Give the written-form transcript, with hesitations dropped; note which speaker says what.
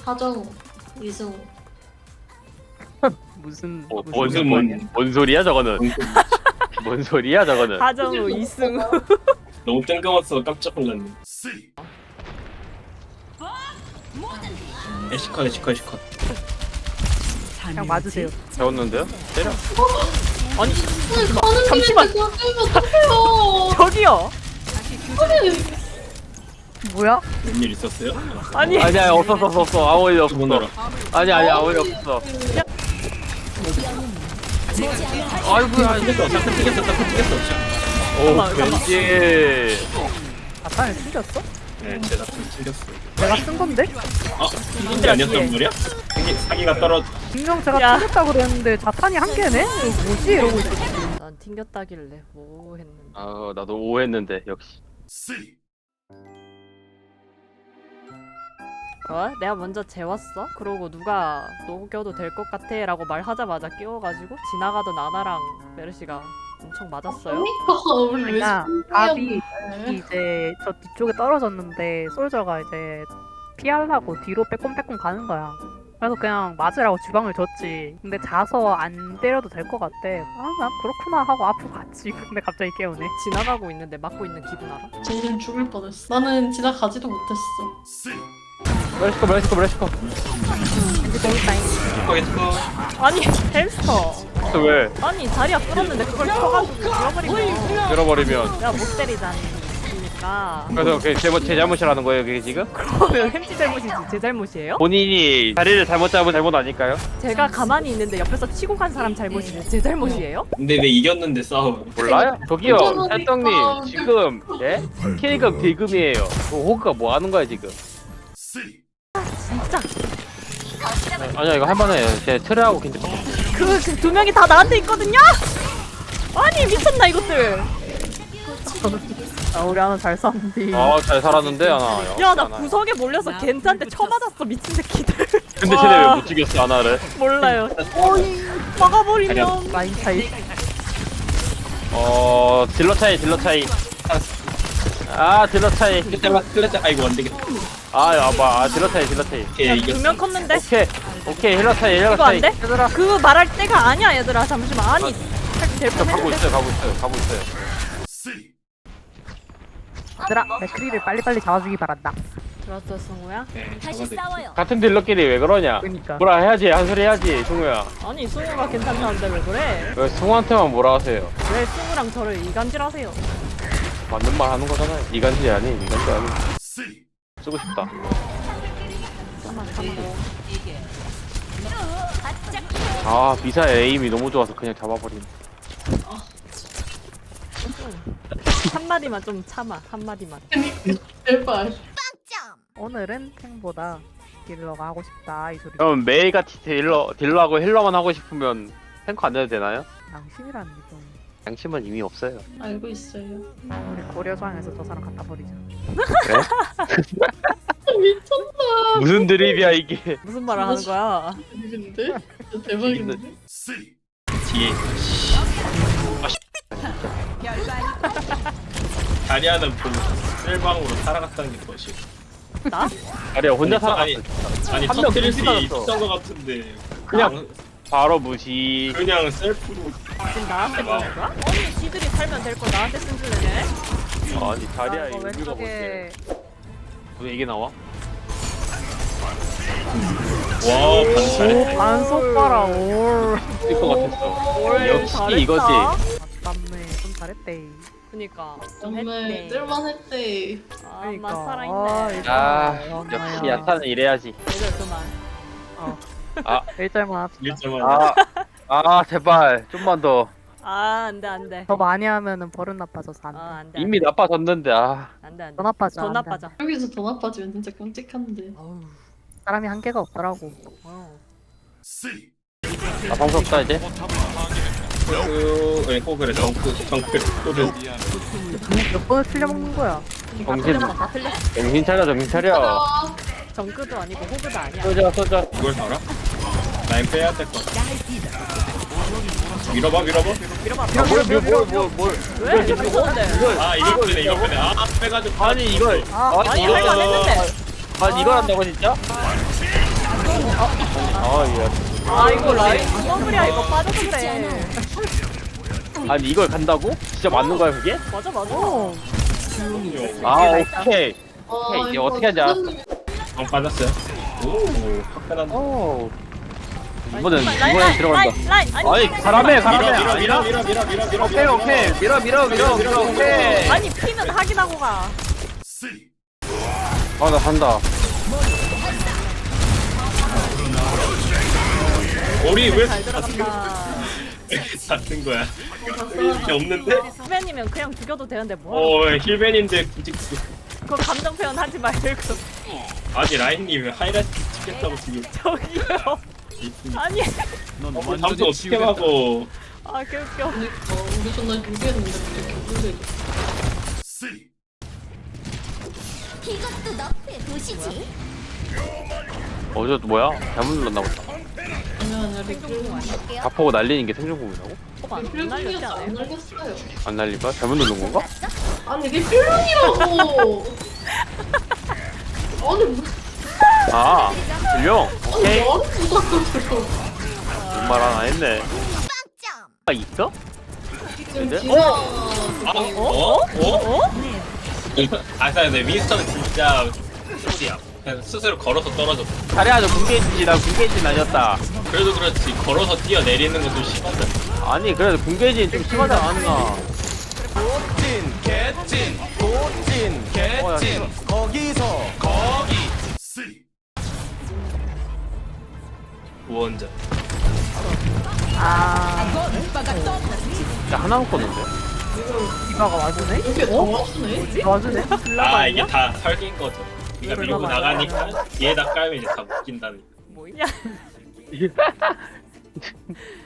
Speaker 1: 하정우, 이승우.
Speaker 2: 무슨
Speaker 3: 뭔 소리야 저거는? 뭔 소리야 저거는?
Speaker 2: 하정우 이승우.
Speaker 4: 너무 뜬금없어 깜짝 놀랐네. 에시컷.
Speaker 2: 그냥 맞으세요.
Speaker 3: 배웠는데요? 때려.
Speaker 2: 아니
Speaker 1: 가는
Speaker 2: 잠시만.
Speaker 1: 길인데 그냥 어떡해요.
Speaker 2: 저기요. 뭐야?
Speaker 4: 웬일 있었어요?
Speaker 2: 아니
Speaker 3: 아니야 없었어 아무 일 없어.
Speaker 4: 누구나라.
Speaker 3: 아니야 아무 일 없어. 아이고야.
Speaker 4: 튀겼어. 잠깐 튀겼어.
Speaker 3: 오
Speaker 2: 잠깐만.
Speaker 3: 왠지.
Speaker 2: 자탄을 숨겼어?
Speaker 4: 네, 제 작품 튀겼어.
Speaker 2: 내가 쓴 건데?
Speaker 4: 아, 이게 아니었단 말이야? 사기가 떨어져.
Speaker 2: 분명 제가
Speaker 1: 야.
Speaker 2: 튕겼다고 그랬는데 자탄이 한 개네? 이거 뭐지? 이러고 있었지. 난 튕겼다길래 뭐 했는데.
Speaker 3: 아 나도 오했는데 역시.
Speaker 2: 내가 먼저 재웠어? 그러고 누가 녹여도 될 것 같아 라고 말하자마자 끼워가지고 지나가던 아나랑 메르시가 엄청 맞았어요.
Speaker 1: 그러니까 우리 왜
Speaker 2: 그러니까
Speaker 1: 답이
Speaker 2: 이제 저 뒤쪽에 떨어졌는데 솔저가 이제 피하려고 뒤로 빼꼼빼꼼 가는 거야. 그래서 그냥 맞으라고 주방을 줬지. 근데 자서 안 때려도 될 것 같대. 난 그렇구나 하고 앞으로 갔지. 근데 갑자기 깨우네. 지나가고 있는데 맞고 있는 기분 알아?
Speaker 1: 진심 죽을 뻔했어. 나는 지나가지도 못했어.
Speaker 3: 브레시코.
Speaker 4: 에시컷.
Speaker 2: 아니 햄스터.
Speaker 3: 또 왜?
Speaker 2: 아니 자리야 끌었는데 그걸 쳐가지고 밀어버리면
Speaker 3: 밀어버리면.
Speaker 2: 내가 못 때리자니까.
Speaker 3: 그래서 제 잘못이라는 거예요 그게 지금?
Speaker 2: 그러면 햄찌 잘못이지 제 잘못이에요?
Speaker 3: 본인이 자리를 잘못 잡은 잘못 아닐까요?
Speaker 2: 제가 가만히 있는데 옆에서 치고 간 사람 잘못이지 제 잘못이에요?
Speaker 4: 근데 왜 이겼는데 싸워?
Speaker 3: 몰라요? 저기요
Speaker 1: 그러니까.
Speaker 3: 찰떡님 지금 예? K금 D금이에요. 호그가 뭐 하는 거야 지금?
Speaker 2: 진짜
Speaker 3: 아니야 이거 할만해. 제 트레하고 괜찮.
Speaker 2: 그 두 명이 다 나한테 있거든요? 아니 미쳤나 이것들. 우리 하나 잘 쌌는데.
Speaker 3: 아잘 살았는데 하나.
Speaker 2: 야 나 구석에 몰려서 겐트한테 쳐맞았어 미친 새끼들.
Speaker 3: 근데 쟤네 왜 못 죽였어 하나를?
Speaker 2: 몰라요. 막아버리면 라인 차이.
Speaker 3: 딜러 차이. 아 딜러 차이.
Speaker 4: 클레자. 아이고 안 되겠다.
Speaker 3: 딜러 차이.
Speaker 4: 오케이 이겼어.
Speaker 2: 두명 컸는데?
Speaker 3: 오케이 힐러 차이.
Speaker 2: 이거 안 돼? 그거 말할 때가 아니야 얘들아 잠시만. 아니 될
Speaker 3: 가고
Speaker 2: 뻔했는데.
Speaker 3: 있어요.
Speaker 2: 얘들아 맥크리를 빨리빨리 잡아주기 바란다. 들었어 승우야?
Speaker 4: 네,
Speaker 5: 다시 싸워요.
Speaker 3: 같은 딜러끼리 왜 그러냐?
Speaker 2: 그러니까.
Speaker 3: 뭐라 해야지 한 소리 해야지 승우야.
Speaker 2: 아니 승우가 괜찮다는데 왜 그래?
Speaker 3: 왜 승우한테만 뭐라 하세요?
Speaker 2: 왜 승우랑 저를 이간질하세요?
Speaker 3: 맞는 말 하는 거잖아요. 이간질 아니. 쓰고 싶다.
Speaker 2: 좀만 참고.
Speaker 3: 아 미사의 에임이 너무 좋아서 그냥 잡아버린.
Speaker 2: 한마디만 좀 참아. 한마디만.
Speaker 1: 제발.
Speaker 2: 오늘은 탱보다 딜러가 하고 싶다 이 소리.
Speaker 3: 그럼 매일같이 딜러하고 힐러만 하고 싶으면 탱커 안 내도 되나요?
Speaker 2: 양심이라는 게 좀.
Speaker 3: 양심은 이미 없어요.
Speaker 1: 알고 있어요.
Speaker 2: 우리 고려장에서 저 사람 갖다 버리자.
Speaker 3: 그래?
Speaker 1: 미쳤나.
Speaker 3: 무슨 드립이야 이게?
Speaker 2: 무슨 말을 하는 거야?
Speaker 1: 근데 진짜 대박인데.
Speaker 4: 뒤에. 다리아는 쓸방으로 살아갔다는 게 뭐지?
Speaker 2: 나?
Speaker 3: 아니야 혼자 살아.
Speaker 4: 아니
Speaker 3: 한 명
Speaker 4: 터뜨릴 수
Speaker 3: 무시
Speaker 4: 있었던 것 같은데
Speaker 3: 그냥 바로 무시.
Speaker 4: 그냥 셀프로.
Speaker 2: 지금 나한테 그러는 거야? 아니 지들이 살면 될 거 나한테 쓴 줄 내네?
Speaker 3: 아니 자리야 이거 의미가
Speaker 2: 왼쪽에
Speaker 3: 뭔데? 왜 이게 나와?
Speaker 4: 와 반사했다.
Speaker 2: 반속 봐라 올.
Speaker 3: 있을 것 같았어.
Speaker 2: 올
Speaker 3: 역시
Speaker 2: 잘했다.
Speaker 3: 이거지.
Speaker 2: 맞네 좀 잘했대. 그니까 좀
Speaker 1: 정말
Speaker 2: 했대.
Speaker 1: 뜰만했대.
Speaker 2: 아
Speaker 3: 그러니까.
Speaker 2: 맛 살아있네.
Speaker 3: 역시 야타는 이래야지.
Speaker 2: 얘들 그만.
Speaker 3: 아.
Speaker 2: 일절만 합시다.
Speaker 4: 1.1.
Speaker 3: 제발 좀만 더.
Speaker 2: 아 안돼 안돼.
Speaker 6: 더 많이 하면은 버릇 나빠져서 안 돼.
Speaker 2: 안돼.
Speaker 3: 이미 나빠졌는데
Speaker 2: 안돼 안돼.
Speaker 6: 더 나빠져.
Speaker 2: 더
Speaker 6: 안 돼.
Speaker 2: 나빠져.
Speaker 1: 여기서 더 나빠지면 진짜 끔찍한데.
Speaker 2: 어우.
Speaker 6: 사람이 한계가 없더라고.
Speaker 3: 나 방송 없다 이제.
Speaker 4: 꼭 그래 정크 또는
Speaker 6: 몇 번을 틀려먹는 거야.
Speaker 2: 다 틀렸어.
Speaker 3: 정신 차려.
Speaker 1: 아,
Speaker 2: 정크도 아니고 호그도 아니야.
Speaker 3: 쏘자.
Speaker 4: 이걸 살아? 라인 빼야 될 것 같아. 밀어봐.
Speaker 2: 밀어봐.
Speaker 3: 뭘.
Speaker 2: 왜? 이거 좋은데.
Speaker 4: 아 이거 빼네. 빼가지고.
Speaker 3: 아니 이걸.
Speaker 2: 아니 할만 했는데.
Speaker 3: 아니 이걸 한다고 진짜? 아,
Speaker 2: 아 이거 라인 더블이야 이거 빠져도 돼.
Speaker 3: 예. 아니, 이걸 간다고? 진짜 맞는 거야, 그게?
Speaker 2: 맞아 맞아.
Speaker 3: 아, 오케이. 오케이, 이제 어떻게 하자.
Speaker 4: 빠졌어요. 오, 화끈한.
Speaker 3: 오. 이번엔 들어간다.
Speaker 2: 라인
Speaker 3: 아니, 가라매, 가라매.
Speaker 4: 밀어,
Speaker 3: 아니라?
Speaker 4: 밀어.
Speaker 3: 오케이, 오케이. 밀어, 오케이.
Speaker 2: 아니 피는 확인하고 가.
Speaker 3: 아, 나 간다.
Speaker 4: 우리 왜
Speaker 2: 잘 들어간다.
Speaker 4: 같은 거야? 이게 없는데?
Speaker 2: 후배님은 그냥 죽여도 되는데 뭐?
Speaker 4: 힐벤인데 굳이
Speaker 2: 그거 감정 표현 하지 말고
Speaker 4: 아니 라인님 하이라이트 찍겠다고 지금.
Speaker 2: 저기요. 아니
Speaker 4: 다음부터 어떻게 하고?
Speaker 2: 아 개웃겨.
Speaker 1: 그러니까 우리 전날 준비했는데 이렇게 불러줘.
Speaker 5: 이것도 너의 도시지.
Speaker 3: 저 뭐야? 잘못 눌렀나 보다.
Speaker 1: 아니야
Speaker 2: 생존공 아니야?
Speaker 3: 다 포고 날리는 게 생존공이라고?
Speaker 2: 안 날렸지
Speaker 1: 리필링이었어. 안
Speaker 2: 않아요?
Speaker 1: 날렸어요.
Speaker 3: 안 날릴까? 잘못 누른 건가?
Speaker 1: 아니 리필링이라고. 아니 무슨
Speaker 3: 아, 들려? 오케이.
Speaker 1: 말을 못하겠어.
Speaker 3: 말 하나 했네.
Speaker 5: 빵점.
Speaker 3: 아, 있어?
Speaker 1: 지금
Speaker 3: 근데?
Speaker 1: 지가
Speaker 4: 근데 윈스턴은 진짜 소리야. 그냥 스스로 걸어서 떨어졌어.
Speaker 3: 잘해야죠. 군게이지, 나 군게이지는 아니었다.
Speaker 4: 그래도 그렇지 걸어서 뛰어내리는 건 좀 심하다.
Speaker 3: 아니, 그래도 군게이지는 좀 심하지 않았나? 개찐.
Speaker 4: 우원자.
Speaker 6: 아
Speaker 3: 진짜 하나 먹었는데?
Speaker 6: 디바가 와주네?
Speaker 1: 이게 다 맞추네.
Speaker 6: 와주네?
Speaker 4: 아 이게 다 설계인 거죠. 그러니까 밀고 나가니까 뒤에다 깔면 이제 다 묶인다는.
Speaker 2: 뭐야?